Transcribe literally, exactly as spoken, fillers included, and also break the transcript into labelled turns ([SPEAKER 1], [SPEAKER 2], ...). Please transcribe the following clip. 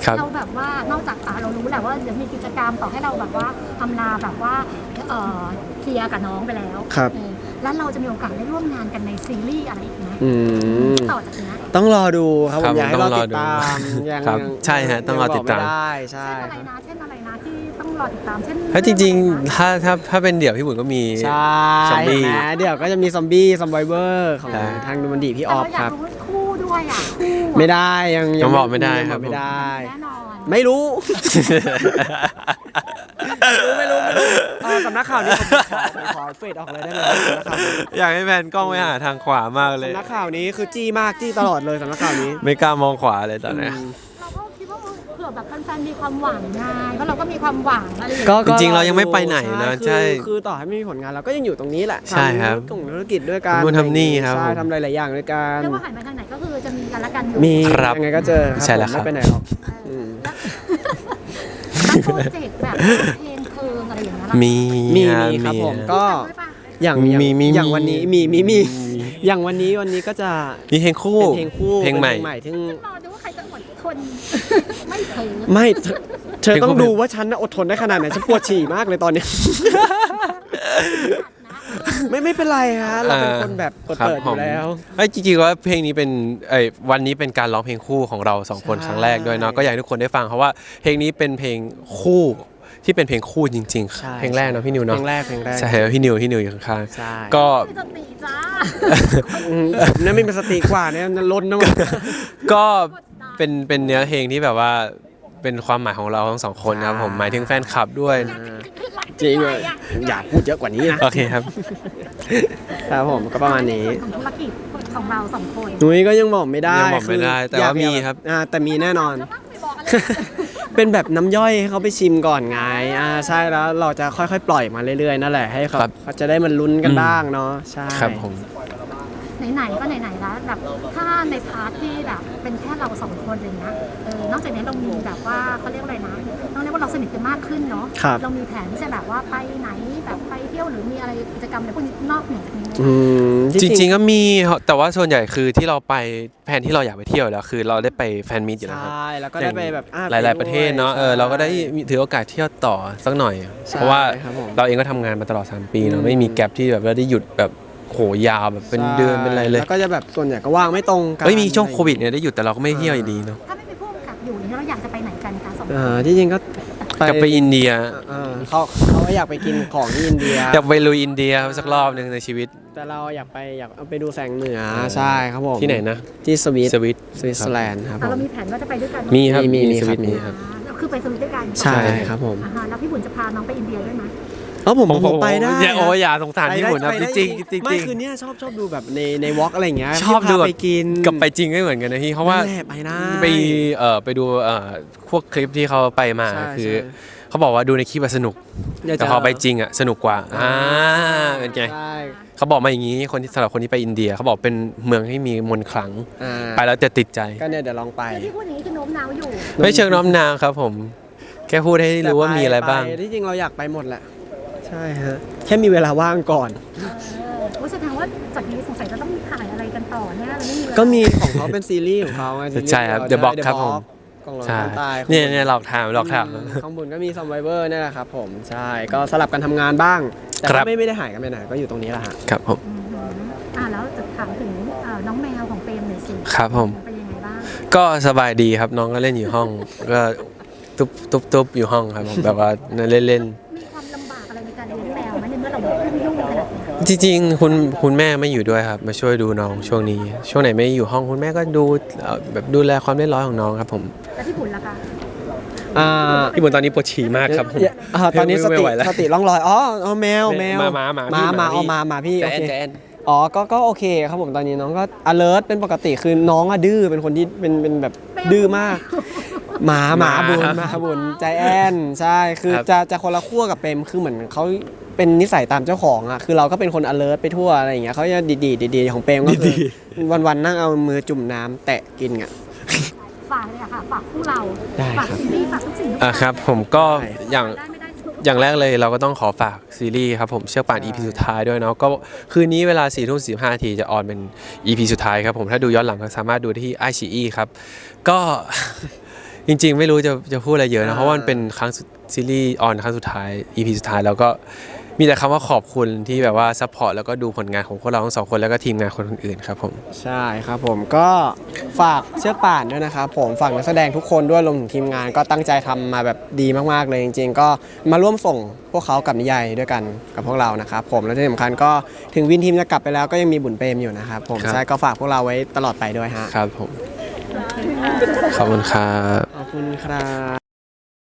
[SPEAKER 1] เราแบบว่านอกจากเรารู้แหละว่าจะมีกิจกรรมต่อให้เราแบบว่าทำลาแบบว่าเอ่อเคลียร์กับน้องไปแล้วแล้วเราจะมีโอกาสได้ร่วมงานกันในซีรีส์อะไรอีกไหมต่อจากนี้
[SPEAKER 2] ต้องรอดูครับผมอยากให้เราติดตาม
[SPEAKER 3] ยังใช่ฮะต้องรอติดตาม
[SPEAKER 2] ใช่
[SPEAKER 1] อะไรนะเช่นอะไรนะที่ต้องรอติดตามเช่น
[SPEAKER 3] ถ้าจริงๆถ้าถ้าถ้าเป็นเดี่ยวพี่บุญก็มี
[SPEAKER 2] ซอมบี้เดี๋ยวก็จะมีซอมบี้ซอมไบเวอร์ของทางดูมันดีพี่ออฟครับ
[SPEAKER 1] คู่ด้วยอ่ะคู่
[SPEAKER 2] ไม่ได้ยัง
[SPEAKER 3] ยังบอกไม่ได้ครับ
[SPEAKER 2] ไม่ได้
[SPEAKER 1] แน่นอน
[SPEAKER 2] ไม่รู้ไม่รู้ไม่รู้สำนักข่าวนี้ผมขอเฟดออกเลยได้ไหม
[SPEAKER 3] อยากให้แพนกล้องไปหาทางขวามากเลย
[SPEAKER 2] สำนักข่าวนี้คือจี้มากจี้ตลอดเลยสำนักข่าวนี้
[SPEAKER 3] ไม่กล้ามองขวาเลยตอนนี้
[SPEAKER 1] เราก็คิดว่าเผื่อแบบแฟนๆมีความหวังไงเพราะเราก็มีความหวังอะไรอย่าง
[SPEAKER 3] เงี้ยจริงๆเรายังไม่ไปไหนนะใช่
[SPEAKER 2] คือต่อให้ไม่มีผลงานเราก็ยังอยู่ตรงนี้แหละ
[SPEAKER 3] ใช่ครับ
[SPEAKER 2] ทำธุรกิจด้วยกัน
[SPEAKER 3] ทำนี่ครับ
[SPEAKER 2] ใช่ทำหลายๆอย่างด้วยกัน
[SPEAKER 1] เรียกว่าหันไปทางไหนก็คือจะมีกันละกัน
[SPEAKER 2] มียังไงก็เจอ
[SPEAKER 3] ใช่แล้วครับ
[SPEAKER 2] ไม่ไปไหนหรอก
[SPEAKER 1] โปรเจกต์แบบเพลงเพลิงอะไรอย่างเงี้ย
[SPEAKER 3] มี
[SPEAKER 2] มีครับผมก็อย่างอย่างวันนี้มีมีมีอย่างวันนี้วันนี้ก็จะ
[SPEAKER 3] มีเพลงคู่
[SPEAKER 2] เพลงคู่
[SPEAKER 3] เพลงใหม่
[SPEAKER 1] ที่รอดูว่าใครจะอดทนไม่เผลอ
[SPEAKER 2] ไม่เธอต้องดูว่าฉันอดทนได้ขนาดไหนฉันปวดฉี่มากเลยตอนนี้ไม่ไม่เป็นไรฮะเราเป็นคนแบบเปิดอยู่แล้ว
[SPEAKER 3] ไอ้จริงๆว่าเพลงนี้เป็นไอ้วันนี้เป็นการร้องเพลงคู่ของเราสองคนครั้งแรกด้วยเนาะก็อยากให้ทุกคนได้ฟังเพราะว่าเพลงนี้เป็นเพลงคู่ที่เป็นเพลงคู่จริงๆเพลงแรกเนาะพี่นิวเนาะ
[SPEAKER 2] เพลงแรกเพลงแรก
[SPEAKER 3] ใช่พี่นิวพี่นิวอยู่ข้าง
[SPEAKER 2] ๆ
[SPEAKER 3] ก็
[SPEAKER 1] มีสติจ้า
[SPEAKER 2] นั่นไม่เป็นสติกว่าเนี่ยนั่นล้นนะ
[SPEAKER 3] ก็เป็นเป็นเนื้อเพลงที่แบบว่าเป็นความหมายของเราทั้งสองคนครับผมหมายถึงแฟนคลับด้วย
[SPEAKER 2] จริงเลยอยากพูดเยอะกว่านี้นะ
[SPEAKER 3] โอเคครับ
[SPEAKER 2] ครับผมก็ประมาณนี้
[SPEAKER 1] ธุรกิจของเราสองคน
[SPEAKER 2] นุ้ยก็ยังบอกไม่ได้
[SPEAKER 3] ยังบอกไม่ได้แต่ว่ามีครับ
[SPEAKER 2] แต่มีแน่นอนเป็นแบบน้ำย่อยให้เขาไปชิมก่อนไงอ่าใช่แล้วเราจะค่อยๆปล่อยมาเรื่อยๆนั่นแหละให้เขาเขาจะได้มันลุ้นกันบ้างเนาะใช่
[SPEAKER 3] ครับผม
[SPEAKER 1] ไหนๆก็ไหนๆแล้วแบบถ้าในพาร์ทที่แบบเป็นแค่เราสองคนอะไรเงี้ยเออนอกจากนี้เรามีแบบว่าเขาเรียกอะไรนะต้องเรียกว่าเราสนิทกันมากขึ้นเนาะเรามีแผนที่จะแบบว่าไปไหนแบบไปเที่ยวหรือมีอะไรกิจกรรมอะไรพวกนี้นอกเหนือจากนี้
[SPEAKER 3] จริงๆก็มีแต่ว่าส่วนใหญ่คือที่เราไปแผนที่เราอยากไปเที่ยวแล้วคือเราได้ไปแฟนมีตอยู่แล้วครับ
[SPEAKER 2] ใช่แล้วก็ได้ไปแบบ
[SPEAKER 3] หลายๆประเทศเนาะเออเราก็ได้ถือโอกาสเที่ยวต่อสักหน่อยเพราะว่าเราเองก็ทำงานมาตลอดสามปีเนาะไม่มีแกลบที่แบบเราได้หยุดแบบโหยาวแบบเป็นเดือนเป็นอะไรเลย
[SPEAKER 2] แล้วก็จะแบบส่วนใหญ่ก็ว่างไม่ตรงกัน
[SPEAKER 3] ไม่มีช่วงโควิดเนี่ยได้หยุดแต่เราก็ไม่เที่ยวอยู่ดีเนาะ
[SPEAKER 1] ถ้าไม่มีพวกกับอยู่เนี่ยเราอยากจะไปไหนกันคะสอง
[SPEAKER 2] คนที่จริงก็
[SPEAKER 3] กลับไปอินเดีย
[SPEAKER 2] เขาเขาอยากไปกินของที่อินเดีย
[SPEAKER 3] อยากไปลุยอินเดียสักรอบนึงในชีวิต
[SPEAKER 2] แต่เราอยากไปอยากไปดูแสงเหนือใช่ครับผม
[SPEAKER 3] ที่ไหนนะ
[SPEAKER 2] ที่สวิต
[SPEAKER 3] สวิต
[SPEAKER 2] สวิตเซอร์แลนด์ครับ
[SPEAKER 1] เรามีแผนว่าจะไปด้วยกัน
[SPEAKER 3] มีครับมีมีสวิตมีครับ
[SPEAKER 1] คือไปสวิตด้วยกัน
[SPEAKER 2] ใช่ครับผม
[SPEAKER 1] แล้วพี่บุญจะพาน้องไปอินเดียด้วยไหม
[SPEAKER 2] เออผมผมไปได้
[SPEAKER 3] โอ้ยอย่าสงสารพี่บุญนะจริงจริงจริง
[SPEAKER 2] ไม่คือเนี้ยชอบชอบดูแบบในในวอล์กอะไรอย่างเงี้ย
[SPEAKER 3] ชอบดู
[SPEAKER 2] ไปกิน
[SPEAKER 3] กับไปจริงไม่เหมือนกันนะพี่เพราะว่า
[SPEAKER 2] ไปนะ
[SPEAKER 3] ไปเอ่อไปดูเอ่อพวกคลิปที่เขาไปมาคือเขาบอกว่าดูในคลิปสนุกแต่พอไปจริงอ่ะสนุกกว่าอ่าเป็นไงเขาบอกมาอย่างนี้คนที่สำหรับคนที่ไปอินเดียเขาบอกเป็นเมืองที่มีมนต์ขลังไปแล้วจะติดใจ
[SPEAKER 2] ก็เนี่ยเดี๋ยวลองไป
[SPEAKER 1] ที่พูดอย่างนี้คือโน้มน้าวอยู่
[SPEAKER 3] ไม่เชิงโน้มน้าวครับผมแค่พูดให้รู้ว่ามีอะไรบ้าง
[SPEAKER 2] ที่จริงเราอยากไปหมดแหละใช่ฮะแค่มีเวลาว่างก่อน
[SPEAKER 1] ว่าแสดงว่าจากนี้สงสัยจะต้องมีถ่ายอะไรกันต่อเนี่ยเราไม่มี
[SPEAKER 2] ก็มีของเขาเป็นซีรีส์ของเขา
[SPEAKER 3] ใช่ครับเดอะบ็อกครับผม
[SPEAKER 2] ใช่
[SPEAKER 3] เนี่ยเนี่ยหลอกถามหลอกถาม
[SPEAKER 2] ข้างบนก็มีซัมไวเวอร์นี่แหละครับผมใช่ก็สลับกันทำงานบ้างแต่ไม่ไม่ได้หายกันไปไหนก็อยู่ตรงนี้แหละฮะ
[SPEAKER 3] ครับผม
[SPEAKER 1] อ่าแล้วจะถามถึงน้องแมวของเปรมหน่อยสิ
[SPEAKER 3] ครับผม
[SPEAKER 1] เป็นยังไงบ้าง
[SPEAKER 3] ก็สบายดีครับน้องก็เล่นอยู่ห้องก็ตุ๊บตุ๊บตุ๊บอยู่ห้องครับผมแบบว่าเล่นเล่น
[SPEAKER 1] มีความลำบากอะไรในการเลี้ยงแมวไหมในเมื่อเราไม่ยุ่งขนาดนี้
[SPEAKER 3] จริงๆคุณคุณแม่ไม่อยู่ด้วยครับมาช่วยดูน้องช่วงนี้ช่วงไหนไม่อยู่ห้องคุณแม่ก็ดูแบบดูแลความเรียบร้อยของน้องครับผม
[SPEAKER 1] แล้วพี่บุญล่ะคะ
[SPEAKER 3] พี่บุญตอนนี้ปวดฉี่มากครับผม
[SPEAKER 2] ตอนนี้สติสติล่องลอยอ๋อแมวแมว
[SPEAKER 3] มามามา
[SPEAKER 2] มามาเอามามาพี่โอเคอ๋อก็ก็โอเคครับผมตอนนี้น้องก็ alert เป็นปกติคือน้องอะดื้อเป็นคนที่เป็นเป็นแบบดื้อมากหมาหมาบุญหมาบุญใจแอนใช่คือจะจะคนละขั้วกับเปรมคือเหมือนเขาเป็นนิสัยตามเจ้าของอ่ะคือเราก็เป็นคน alert ไปทั่วอะไรอย่างเงี้ยเขาจะดีๆดีๆของเปรมก็คือวันๆนั่งเอามือจุ่มน้ำแตะกินอ่ะ
[SPEAKER 1] ฝากเลยค่ะฝากคู่เราฝากซีรีส์ฝากทุกสิ่งทุกอย่าง
[SPEAKER 3] อ่ะครับผมก็อย่างอย่างแรกเลยเราก็ต้องขอฝากซีรีส์ครับผมเชือกป่าน อี พี สุดท้ายด้วยเนาะก็คืนนี้เวลาสี่ทุ่มสี่สิบห้านาทีจะออนเป็น อี พี สุดท้ายครับผมถ้าดูย้อนหลังก็สามารถดูได้ที่ไอ ซี อี ครับก็จริงๆ ไม่รู้จะจะพูดอะไรเยอะนะ
[SPEAKER 2] อ่า
[SPEAKER 3] เพราะว่ามันเป็นครั้งสุดซีรีส์ออนครั้งสุดท้าย อี พี สุดท้ายแล้วก็มีแต่คำว่าขอบคุณที่แบบว่าซัพพอร์ตแล้วก็ดูผลงานของพวกเราทั้งสองคนแล้วก็ทีมงานคนอื่นๆครับผม
[SPEAKER 2] ใช่ครับผมก็ฝากเชือกป่านด้วยนะครับผมฝากนักแสดงทุกคนด้วยรวมถึงทีมงานก็ตั้งใจทำมาแบบดีมากๆเลยจริงๆ ก็มาร่วมส่งพวกเขากับนิยายด้วยกันกับพวกเรานะครับผมและที่สำคัญก็ถึงวินทีมจะกลับไปแล้วก็ยังมีบุญเปรมอยู่นะครับผม
[SPEAKER 3] ครับ
[SPEAKER 2] ใช่ก็ฝากพวกเราไว้ตลอดไปด้วยฮะ
[SPEAKER 3] ครับผม ขอบคุณครับ
[SPEAKER 2] ขอบคุณครับ